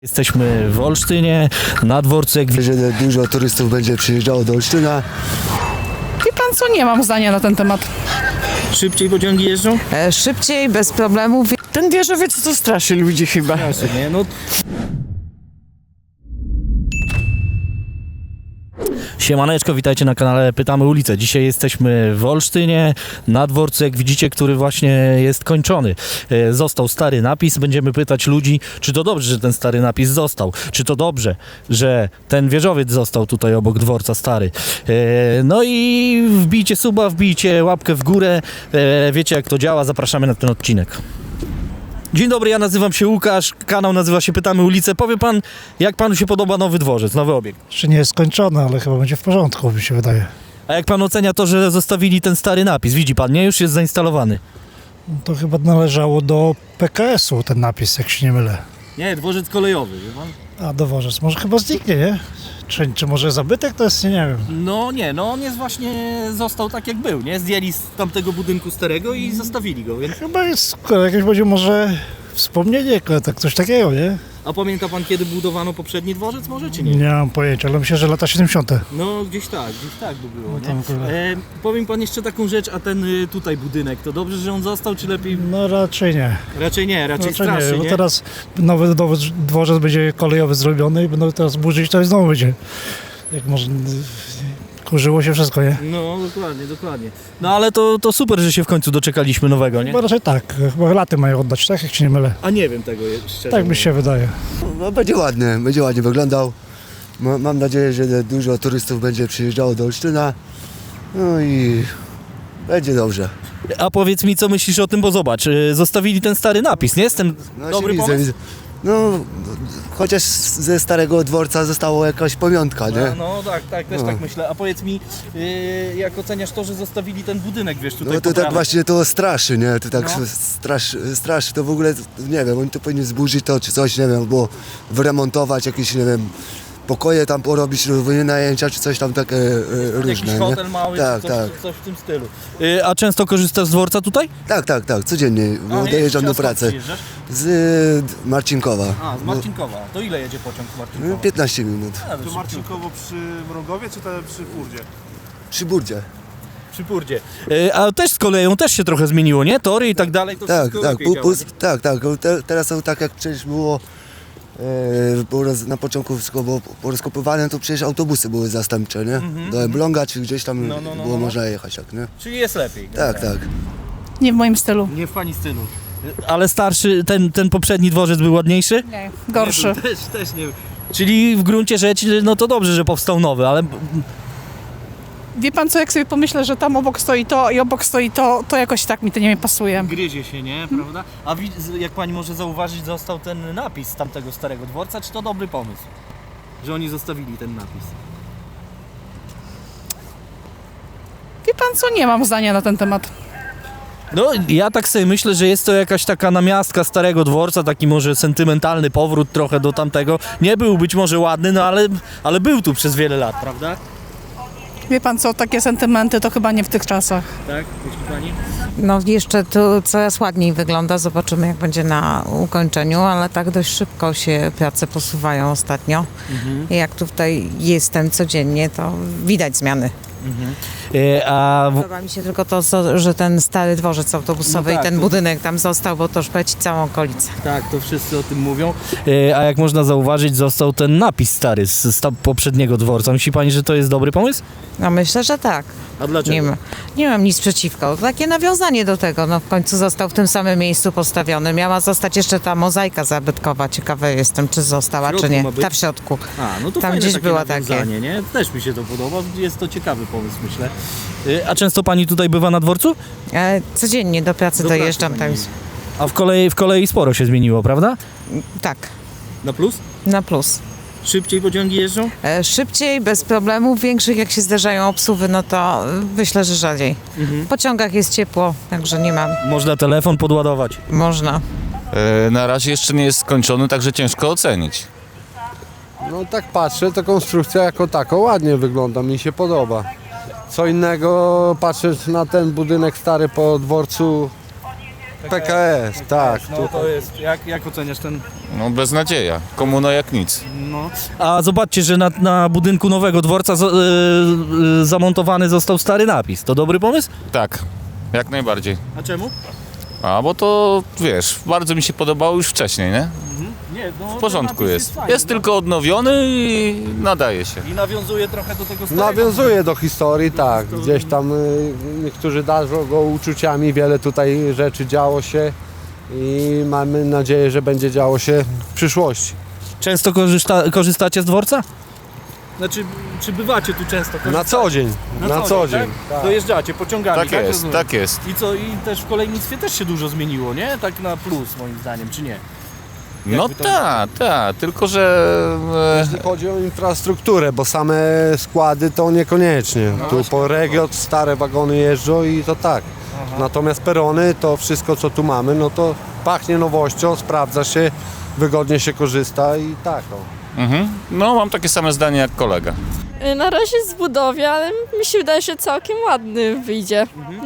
Jesteśmy w Olsztynie, na dworcu, jak Że dużo turystów będzie przyjeżdżało do Olsztyna. Wie pan co, nie mam zdania na ten temat. szybciej pociągi jeżdżą? Szybciej, bez problemów. Ten wieżowiec to straszy ludzi chyba. Nie, no. Siemaneczko, witajcie na kanale Pytamy Ulicę. Dzisiaj jesteśmy w Olsztynie, na dworcu, jak widzicie, który właśnie jest kończony. Został stary napis, będziemy pytać ludzi, czy to dobrze, że ten stary napis został, czy to dobrze, że ten wieżowiec został tutaj obok dworca stary. No i wbijcie suba, wbijcie łapkę w górę, wiecie jak to działa, zapraszamy na ten odcinek. Dzień dobry, ja nazywam się Łukasz, kanał nazywa się Pytamy Ulicę. Powie pan, jak panu się podoba nowy dworzec, nowy obiekt? Jeszcze nie jest skończone, ale chyba będzie w porządku, mi się wydaje. A jak pan ocenia to, że zostawili ten stary napis? Widzi pan, nie? Już jest zainstalowany. To chyba należało do PKS-u ten napis, jak się nie mylę. Nie, dworzec kolejowy, wie pan? A dworzec, może chyba zniknie, nie? Czy może zabytek to jest, nie wiem. No nie, no on jest właśnie, został tak jak był, nie? Zdjęli z tamtego budynku starego i zostawili go, więc... Chyba jest jakieś będzie może wspomnienie, tak coś takiego, nie? A pamięta pan, kiedy budowano poprzedni dworzec może, czy nie? Nie mam pojęcia, ale myślę, że lata 70. No gdzieś tak by było, No tam nie? akurat. Powiem pan jeszcze taką rzecz, a ten tutaj budynek, to dobrze, że on został, czy lepiej? No raczej nie. Raczej nie, raczej Raczej straszy, nie, bo nie? teraz nowy dworzec będzie kolejowy zrobiony i będą teraz burzyć, to znowu będzie. Jak może kurzyło się wszystko, nie? No, dokładnie. No ale to super, że się w końcu doczekaliśmy nowego, nie? Chyba raczej tak, chyba laty mają oddać, tak? Jak się nie mylę. A nie wiem tego szczerze. Tak mi się wydaje. No, będzie ładnie wyglądał. Mam nadzieję, że dużo turystów będzie przyjeżdżało do Olsztyna. No i będzie dobrze. A powiedz mi, co myślisz o tym, bo zobacz, zostawili ten stary napis, nie? Jest ten No, dobry się pomysł? widzę. No, chociaż ze starego dworca została jakaś pamiątka, nie? No tak, też No. tak myślę. A powiedz mi, jak oceniasz to, że zostawili ten budynek, wiesz, tutaj No to po tak prawej? właśnie to straszy, nie? To tak No. straszy, to w ogóle, nie wiem, oni to powinni zburzyć to czy coś, nie wiem, albo wyremontować jakieś, nie wiem, pokoje tam porobić, wynajęcia czy coś tam takie różne, Jakiś nie? hotel mały, Tak, czy tak. coś w tym stylu. A często korzystasz z dworca tutaj? Tak, codziennie, bo dojeżdżam do pracy. Z Marcinkowa. A, z Marcinkowa. To ile jedzie pociąg z Marcinkowa? 15 minut. To Marcinkowo przy Mrogowie, czy to przy Furdzie? Przy Burdzie. Przy Purdzie. A też z koleją też się trochę zmieniło, nie? Tory i tak dalej, to Tak, wszystko tak, lepiej działa. tak. Teraz są tak jak przecież było na początku wszystko było porozkopywane, to przecież autobusy były zastępcze, nie? Do Elbląga czy gdzieś tam No. było można jechać, tak, nie? Czyli jest lepiej. Tak. Nie w moim stylu. Nie w pani stylu. Ale starszy, ten poprzedni dworzec był ładniejszy? Nie, gorszy. Nie, też nie. Czyli w gruncie rzeczy, no to dobrze, że powstał nowy, ale Wie pan co, jak sobie pomyślę, że tam obok stoi to i obok stoi to jakoś tak mi to nie pasuje. gryzie się, nie? Prawda? A jak pani może zauważyć, został ten napis z tamtego starego dworca, czy to dobry pomysł? Że oni zostawili ten napis. Wie pan co, nie mam zdania na ten temat. No, ja tak sobie myślę, że jest to jakaś taka namiastka starego dworca, taki może sentymentalny powrót trochę do tamtego. Nie był być może ładny, no ale był tu przez wiele lat, prawda? Wie pan co, takie sentymenty to chyba nie w tych czasach. Tak, myśli pani? No jeszcze tu coraz ładniej wygląda, zobaczymy jak będzie na ukończeniu, ale tak dość szybko się prace posuwają ostatnio. I jak tutaj jestem codziennie, to widać zmiany. Podoba mi się tylko to, że ten stary dworzec autobusowy No tak, i ten to- budynek tam został, bo to szpeci całą okolicę. Tak, to wszyscy o tym mówią. A jak można zauważyć, został ten napis stary z poprzedniego dworca. Myśli pani, że to jest dobry pomysł? No myślę, że tak. A dlaczego? Nie mam nic przeciwko. Takie nawiązanie do tego. No w końcu został w tym samym miejscu postawiony. Miała zostać jeszcze ta mozaika zabytkowa. Ciekawe jestem, czy została, W środku czy nie. ma być? Ta w środku. A, no to Tam fajne gdzieś takie była nawiązanie, nie? Też mi się to podoba, jest to ciekawy pomysł, myślę. A często pani tutaj bywa na dworcu? Codziennie do pracy Do dojeżdżam pracy tam. pani A w kolei sporo się zmieniło, prawda? Tak, Na plus? na plus. Szybciej pociągi jeżdżą? Szybciej, bez problemów większych, jak się zdarzają obsuwy, no to myślę, że rzadziej. W pociągach jest ciepło, także nie mam. Można telefon podładować. Można. Na razie jeszcze nie jest skończony, także ciężko ocenić. No tak patrzę, to konstrukcja jako tako ładnie wygląda, mi się podoba. Co innego patrzeć na ten budynek stary po dworcu PKS, tak. No to jest, jak oceniasz ten No beznadzieja. Komuna jak nic. A zobaczcie, że na budynku nowego dworca zamontowany został stary napis. To dobry pomysł? Tak, jak najbardziej. A czemu? A bo to, wiesz, bardzo mi się podobało już wcześniej, nie? Nie, no, W porządku jest. Jest tylko odnowiony i nadaje się. I nawiązuje trochę do tego starego. Nawiązuje do historii, tak. Gdzieś tam niektórzy darzą go uczuciami, wiele tutaj rzeczy działo się i mamy nadzieję, że będzie działo się w przyszłości. Często korzystacie z dworca? Znaczy, czy bywacie tu często? Na co dzień, na co dzień. Tak? Dojeżdżacie pociągami, Tak jest, rozumiem? tak jest. I co, i też w kolejnictwie też się dużo zmieniło, nie? Tak na plus moim zdaniem, czy nie? No Jakby to- tak, tylko że... Jeśli chodzi o infrastrukturę, bo same składy to niekoniecznie. Tu po Regiot stare wagony jeżdżą i to tak. Natomiast perony, to wszystko co tu mamy, no to pachnie nowością, sprawdza się, wygodnie się korzysta i tak. No mam takie same zdanie jak kolega. Na razie jest w budowie, ale mi się wydaje, że całkiem ładny wyjdzie.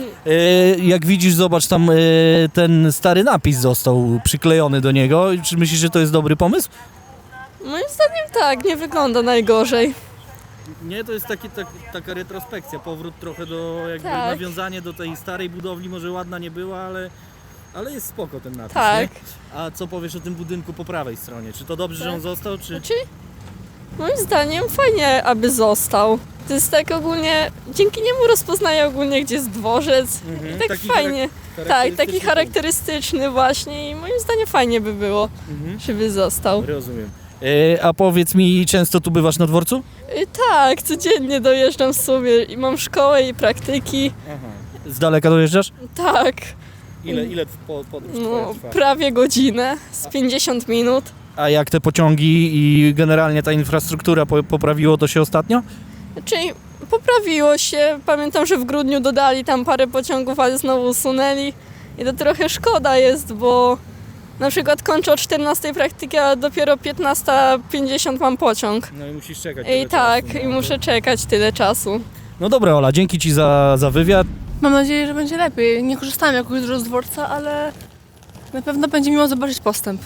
Jak widzisz, zobacz, tam ten stary napis został przyklejony do niego. Czy myślisz, że to jest dobry pomysł? Moim zdaniem tak, nie wygląda najgorzej. Nie, to jest taka retrospekcja, powrót trochę do, jakby Tak. nawiązanie do tej starej budowli, może ładna nie była, ale jest spoko ten napis, Tak. nie? A co powiesz o tym budynku po prawej stronie? Czy to dobrze, że on został, czy... Znaczy, moim zdaniem fajnie, aby został. To jest tak ogólnie, dzięki niemu rozpoznaję ogólnie, gdzie jest dworzec. I tak Taki fajnie. Tak, taki charakterystyczny właśnie i moim zdaniem fajnie by było, żeby został. Rozumiem. A powiedz mi, często tu bywasz na dworcu? Tak, codziennie dojeżdżam sobie i mam szkołę i praktyki. Z daleka dojeżdżasz? Tak, Ile podróż no, prawie godzinę, z 50 minut. A jak te pociągi i generalnie ta infrastruktura poprawiło to się ostatnio? Czyli poprawiło się. Pamiętam, że w grudniu dodali tam parę pociągów, ale znowu usunęli. I to trochę szkoda jest, bo na przykład kończę o 14 praktykę, a dopiero 15:50 mam pociąg. No i musisz czekać. I tak, i muszę czekać tyle czasu. No dobra, Ola, dzięki Ci za wywiad. Mam nadzieję, że będzie lepiej. Nie korzystałem jakoś dużo z dworca, ale na pewno będzie miło zobaczyć postęp.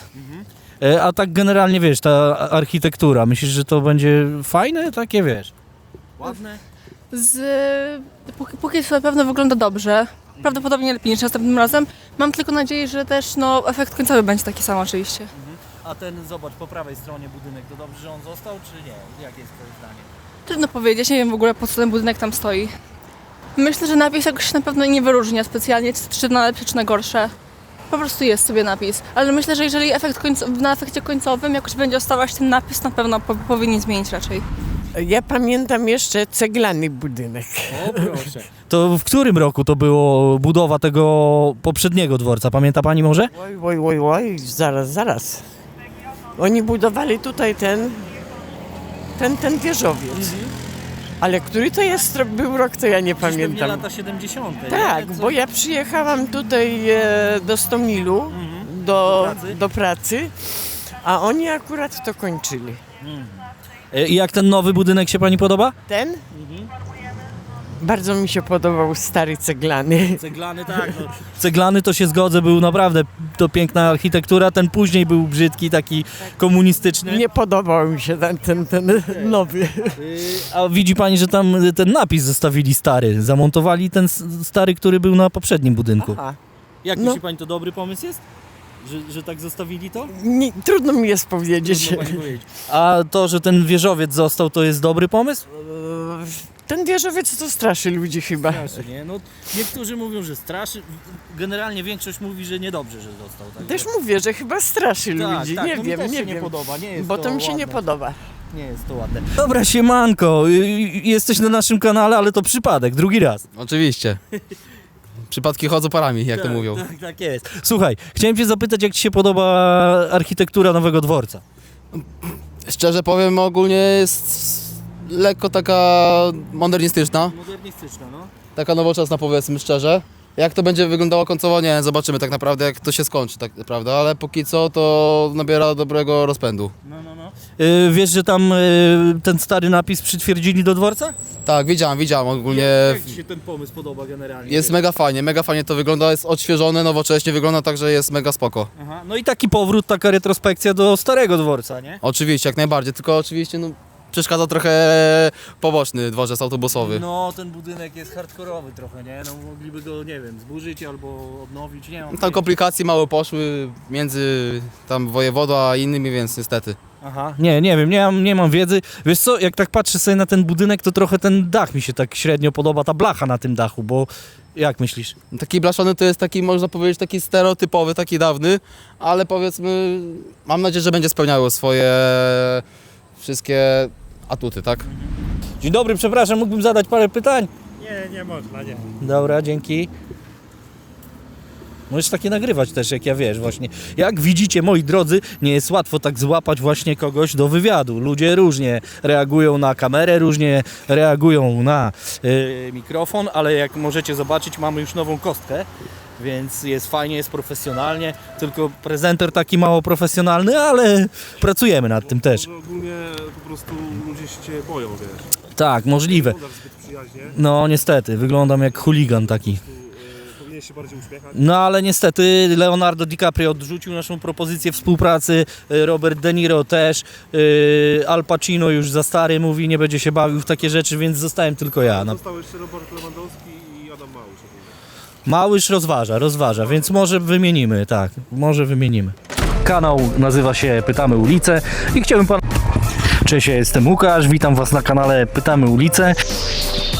A tak generalnie, wiesz, ta architektura, myślisz, że to będzie fajne, takie, wiesz? Ładne? Póki co na pewno wygląda dobrze. Prawdopodobnie lepiej niż następnym razem. Mam tylko nadzieję, że też efekt końcowy będzie taki sam oczywiście. A ten, zobacz, po prawej stronie budynek, to dobrze, że on został, czy nie? Jakie jest Twoje zdanie? Trudno powiedzieć, nie wiem w ogóle po co ten budynek tam stoi. Myślę, że napis jakoś się na pewno nie wyróżnia specjalnie, czy na lepsze, czy na gorsze. Po prostu jest sobie napis. Ale myślę, że jeżeli na efekcie końcowym jakoś będzie ostawać ten napis, na pewno powinien zmienić raczej. Ja pamiętam jeszcze ceglany budynek. O, proszę. To w którym roku to było budowa tego poprzedniego dworca? Pamięta Pani może? Oj, zaraz. Oni budowali tutaj ten wieżowiec. Ale który to był rok, to ja nie pamiętam. lata 70. Tak, bo ja przyjechałam tutaj do Stomilu, do pracy, a oni akurat to kończyli. I jak ten nowy budynek się Pani podoba? Ten? Bardzo mi się podobał stary ceglany. Ceglany, tak. No. Ceglany to się zgodzę, był naprawdę to piękna architektura, ten później był brzydki, taki komunistyczny. Nie podobał mi się ten nowy. A widzi Pani, że tam ten napis zostawili stary, zamontowali ten stary, który był na poprzednim budynku. Aha. Jak No. myśli Pani, to dobry pomysł jest? Że tak zostawili to? Trudno mi jest powiedzieć. Trudno Pani powiedzieć. A to, że ten wieżowiec został, to jest dobry pomysł? Ten wieżowiec to straszy ludzi chyba. Straszy, nie? No, niektórzy mówią, że straszy, generalnie większość mówi, że niedobrze, że został. Tak Też mówię, że chyba straszy ludzi. Tak, Nie to mi wiem, też nie się wiem. nie podoba, nie jest Bo to to mi się nie ładne. podoba. Nie jest to ładne. Dobra, siemanko, jesteś na naszym kanale, ale to przypadek, drugi raz. Oczywiście. Przypadki chodzą parami, jak to mówią. Tak jest. Słuchaj, chciałem Cię zapytać, jak Ci się podoba architektura nowego dworca? Szczerze powiem, ogólnie jest lekko taka modernistyczna, Modernistyczna, no. taka nowoczesna, powiedzmy szczerze. Jak to będzie wyglądało końcowo, nie zobaczymy tak naprawdę, jak to się skończy, tak naprawdę, ale póki co to nabiera dobrego rozpędu. Wiesz, że tam ten stary napis przytwierdzili do dworca? Tak, widziałem ogólnie. Jak Ci się ten pomysł podoba generalnie? Jest mega fajnie to wygląda, jest odświeżone, nowocześnie wygląda, także jest mega spoko. Aha. No i taki powrót, taka retrospekcja do starego dworca, nie? Oczywiście, jak najbardziej, tylko oczywiście no, przeszkadza trochę poboczny dworzec autobusowy. No, ten budynek jest hardkorowy trochę, nie? No mogliby go, nie wiem, zburzyć albo odnowić, nie mam. Tam komplikacje małe poszły między tam wojewodą a innymi, więc niestety. Aha, nie wiem, nie mam wiedzy. Wiesz co, jak tak patrzę sobie na ten budynek, to trochę ten dach mi się tak średnio podoba, ta blacha na tym dachu, bo jak myślisz? Taki blaszany to jest taki, można powiedzieć, taki stereotypowy, taki dawny, ale powiedzmy, mam nadzieję, że będzie spełniało swoje wszystkie atuty, tak? Dzień dobry, przepraszam, mógłbym zadać parę pytań? Nie można, nie. Dobra, dzięki. Możesz takie nagrywać też, jak ja wiesz, właśnie. Jak widzicie, moi drodzy, nie jest łatwo tak złapać właśnie kogoś do wywiadu. Ludzie różnie reagują na kamerę, różnie reagują na mikrofon, ale jak możecie zobaczyć, mamy już nową kostkę, więc jest fajnie, jest profesjonalnie, tylko prezenter taki mało profesjonalny, ale pracujemy nad tym też. Może ogólnie po prostu ludzie się cię boją, wiesz. Tak, możliwe. Wyglądasz zbyt przyjaźnie. No niestety, wyglądam jak chuligan taki. Powinien się bardziej uśmiechać. No ale niestety Leonardo DiCaprio odrzucił naszą propozycję współpracy, Robert De Niro też, Al Pacino już za stary mówi, nie będzie się bawił w takie rzeczy, więc zostałem tylko ja. No. Został jeszcze Robert Lewandowski i Adam Małysz. Małysz rozważa, więc może wymienimy, tak, może wymienimy. Kanał nazywa się Pytamy Ulicę i chciałbym pan... Cześć, ja jestem Łukasz, witam was na kanale Pytamy Ulicę.